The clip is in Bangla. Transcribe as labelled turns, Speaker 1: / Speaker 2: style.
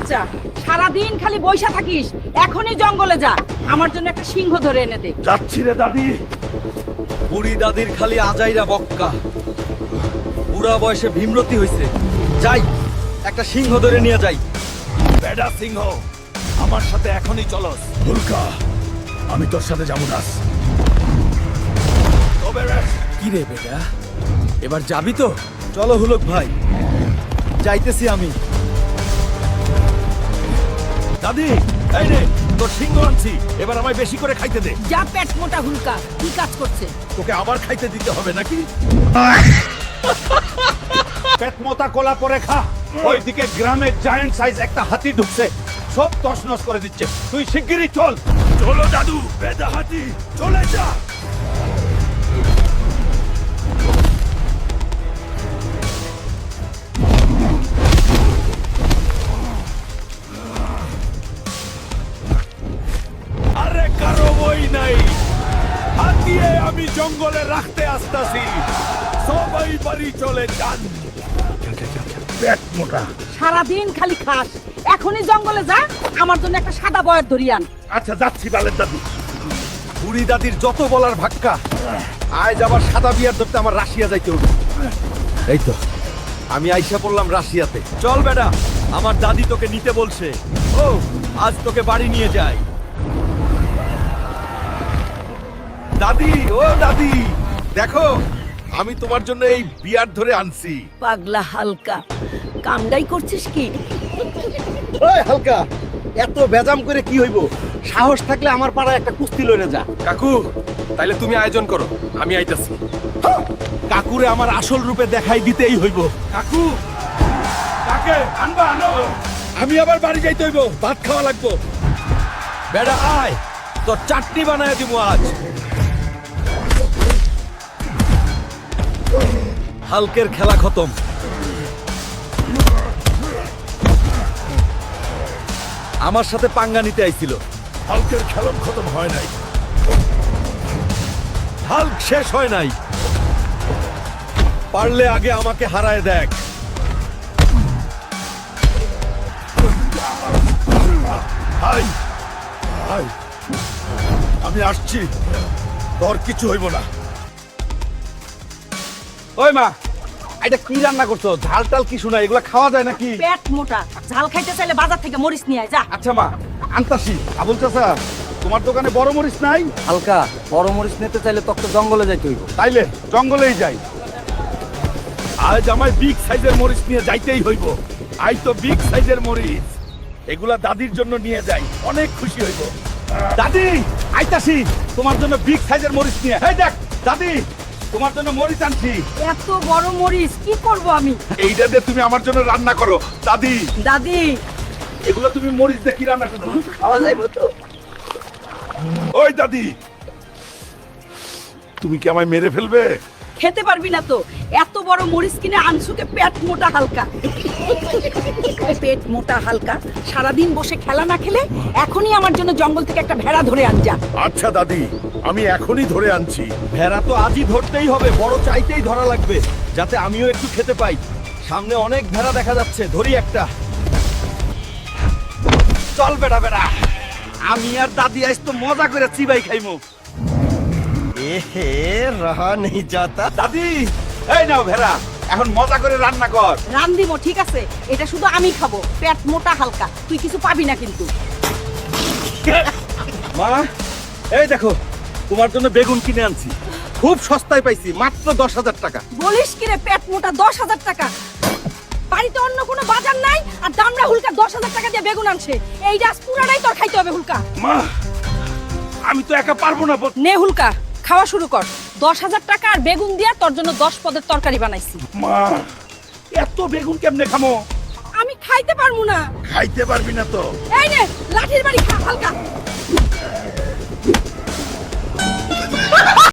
Speaker 1: বাচ্চা, সারাদিন খালি বইসা থাকিস। এখনই জঙ্গলে যা, আমার জন্য একটা সিংহ ধরে এনে দে।
Speaker 2: যাচ্ছি রে দাদি।
Speaker 3: বুড়ি দাদির খালি আজাইরা বক্কা, বুড়া বয়সে ভীমরতি হইছে। যাই, একটা সিংহ ধরে নিয়ে যাই।
Speaker 2: বেডা সিংহ, আমার সাথে এখনই চলস। হুলকা, আমি তোর সাথে যাবো না। তবে রে,
Speaker 3: কি রে বেটা, এবার যাবি তো? চলো হুলক ভাই, যাইতেছি আমি।
Speaker 2: দাদি, এই রে তোর সিংহ আনছি, এবার আমায় বেশি করে খাইতে দে।
Speaker 1: যা পেট মোটা হুলকা, কি কাজ করছে?
Speaker 2: তোকে আবার খাইতে দিতে হবে নাকি? পেট মোটা কোলা পরে খা। ওইদিকে গ্রামে জায়ান্ট সাইজ একটা হাতি ঢুকছে, সব তছনছ করে দিচ্ছে। তুই শিগগিরই চল। চলো দাদু, বেদা হাতি, চলে যা। আরে কারো বই নাই, হাতিয়ে আমি জঙ্গলে রাখতে আসতাছি। সবাই বাড়ি চলে যান। পেট মোটা।
Speaker 1: সারাদিন খালি খাস, এখনই জঙ্গলে যা, আমার জন্য একটা সাদা বয়র ধরিয়ে আন।
Speaker 2: আচ্ছা যাচ্ছি বালের দাদু।
Speaker 3: বুড়ি দাদির যত বলার ভাক্কা, আজ আবার সাদা বিয়ার ধরতে আমার রাশিয়া যাইতে হবে। এই তো আমি আইসা পড়লাম রাশিয়াতে। চল বেটা, আমার দাদি তোকে নিতে বলছে। ও, আজ তোকে বাড়ি নিয়ে যাই।
Speaker 2: দাদি, ও দাদি, দেখো আমি তোমার জন্য এই বিয়ার ধরে আনছি।
Speaker 1: পাগলা হালকা, কামডাই করছিস কি?
Speaker 3: ওই হালকা, এত বেজাম করে কি হইব? সাহস থাকলে আমার পাড়ায় একটা কুস্তি লইরে যা।
Speaker 2: কাকু, তাইলে তুমি আয়োজন করো, আমি আইতাছি। কাকুরে আমার আসল রূপে দেখাই দিতেই হইব। কাকু, কাকে আনবা আনো, আমি আবার বাড়ি যাইতে হইব, ভাত খাওয়া লাগবো।
Speaker 3: বেটা আয়, তোর চাটনি বানায় দিব আজ। হালকের খেলা খতম। আমার সাথে পাঙ্গা নিতে আইছিল।
Speaker 2: হালকের খেলন খতম হয় নাই।
Speaker 3: হাল্ক শেষ হয় নাই। পারলে আগে আমাকে হারায় দেখ।
Speaker 2: হাই হাই, আমি আসছি, তোর কিছু হইব না।
Speaker 3: ওই মা, এটা কি রান্না করছো? ঝাল টাল কি শোনা, এগুলা খাওয়া যায় নাকি?
Speaker 1: পেট মোটা, ঝাল খাইতে চাইলে বাজার থেকে মরিচ নিয়ে আয়, যা।
Speaker 2: আচ্ছা মা, আনতাছি। আবুল চাচা, তোমার দোকানে বড় মরিচ নাই?
Speaker 3: হালকা, বড় মরিচ নিতে চাইলে তোকে জঙ্গলে যাইতে হইব।
Speaker 2: তাইলে জঙ্গলেই যাই। আজ আমায় বিগ সাইজের মরিচ নিয়ে যাইতেই হইব। আই তো বিগ সাইজের মরিচ, এগুলা দাদির জন্য নিয়ে যাই, অনেক খুশি হইব। দাদি, আইতাছি তোমার জন্য বিগ সাইজের মরিচ নিয়ে। এই দেখ দাদি, তোমার জন্য মরিচ আনছি।
Speaker 1: এত বড় মরিচ কি করব আমি?
Speaker 2: এইটা দিয়ে তুমি আমার জন্য রান্না করো দাদি।
Speaker 1: দাদি,
Speaker 2: এগুলো তুমি মরিচ দিয়ে কি রান্না করো?
Speaker 1: খাওয়া যাইব তো?
Speaker 2: ওই দাদি, তুমি কি আমায় মেরে ফেলবে?
Speaker 1: খেতে পারবি না তো, এত বড় মরিচ কিনে আনছুকে পেট মোটা হালকা। পেট মোটা হালকা, সারাদিন বসে খেলা না খেলে এখনই আমার জন্য জঙ্গল থেকে একটা ভেড়া ধরে আন যা।
Speaker 2: আচ্ছা দাদি, আমি এখনই ধরে আনছি।
Speaker 3: ভেড়া তো আজই ধরতেই হবে, বড় চাইতেই ধরা লাগবে, যাতে আমিও একটু খেতে পাই। সামনে অনেক ভেড়া দেখা যাচ্ছে, ধরি একটা। চল বেটা বেটা, আমি আর দাদি আজ তো মজা করে চিবাই খাইমু। এহে, রহা নেই যাতা।
Speaker 2: দাদি, এই নাও ভেড়া, এখন মজা করে রান্না কর।
Speaker 1: রান দিব, ঠিক আছে, এটা শুধু আমি খাবো। পেট মোটা হালকা, তুই কিছু পাবি না কিন্তু।
Speaker 3: মা, এই দেখো, তোমার জন্য বেগুন কিনে আনছি। খুব সস্তায় পাইছি, মাত্র 10,000 টাকা।
Speaker 1: বলিস কি রে, পেট মোটা 10,000 টাকা? বাড়িতে অন্য কোনো বাজার নাই আর দামড়া হুলকা 10,000 টাকা দিয়ে বেগুন আনছে। এই রাস পুরাটাই তোর খাইতে হবে হুলকা।
Speaker 2: মা, আমি তো একা পারবো না।
Speaker 1: নে হুলকা, খাওয়া শুরু কর। 10,000 টাকা আর বেগুন দিয়া তোর জন্য 10 পদের তরকারি বানাইছি।
Speaker 2: মা, এত বেগুন কেমনে খামো?
Speaker 1: আমি খাইতে পারবো না।
Speaker 2: খাইতে পারবি না তো?
Speaker 1: এই নে, লাঠির বাড়ি খা হালকা।